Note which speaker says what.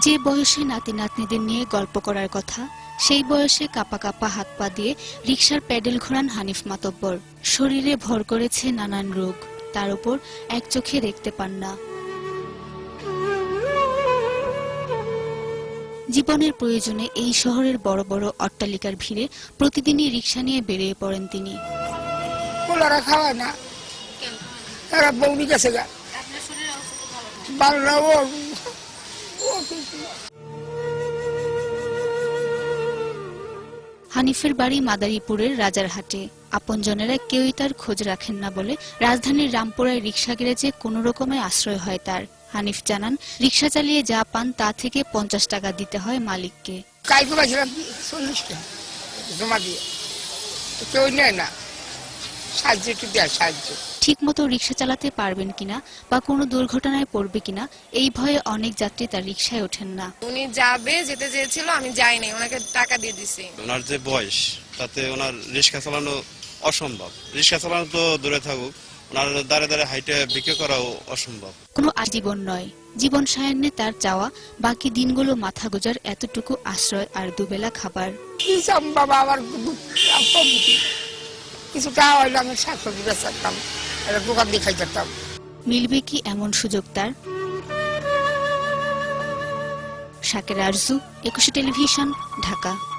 Speaker 1: যে বয়সে নাতি নাতনিদের নিয়ে গল্প করার কথা, সেই বয়সে কাপা কাপা হাত পা দিয়ে রিকশার প্যাডেল ঘোরান হানিফ মাতব্বর। শরীরে ভর করেছে নানান রোগ, তার উপর এক চোখে দেখতে পান না। জীবনের প্রয়োজনে এই শহরের বড় বড় অট্টালিকার ভিড়ে প্রতিদিনই রিকশা নিয়ে বেরিয়ে পড়েন তিনি।
Speaker 2: খাওয়ায় না, এরা বৌনি গেছে গা, ভালো না ও।
Speaker 1: হানিফের বাড়ি মাদারীপুরের রাজারহাটে। আপনজনেরা কেউই তার খোঁজ রাখেন না বলে রাজধানীর রামপুরায় রিকশা গ্যারেজে কোনো রকমে আশ্রয় হয় তার। হানিফ জানান, রিকশা চালিয়ে যা পান তা থেকে 50 টাকা দিতে হয় মালিককে।
Speaker 2: কালকে পাইছিলাম 40 টাকা জমা দিয়ে, কেউ নেয় না, সাহায্য একটু দেয়, সাহায্য।
Speaker 1: ঠিক মতো রিকশা চালাতে পারবেন কিনা বা কোনো দুর্ঘটনায় পড়বে কিনা এই ভয়ে অনেক যাত্রী তার রিকশায় ওঠেন না।
Speaker 3: উনি যেতে চেয়েছিল, আমি যাইনি, ওনাকে টাকা দিয়ে দিছি। ওনার যে বয়স, তাতে ওনার রিকশা চালানো অসম্ভব। রিকশা চালানো তো দূরে থাকুক, ওনার দাঁড়ে দাঁড়ে হাইটে বিক্রি করাও অসম্ভব।
Speaker 1: কোনো আজীবন নয়, জীবন সায়ান্নে তার চাওয়া বাকি দিনগুলো মাথা গোজার এতটুকু আশ্রয় আর দুবেলা খাবার।
Speaker 2: বাবা আমার কিছু টাকা হইলে আমি শাকসবজি বেচাতাম, দোকান দিয়ে খাই যেতাম।
Speaker 1: মিলবে কি এমন সুযোগ তার? শাকের আরজু, 21 টেলিভিশন, ঢাকা।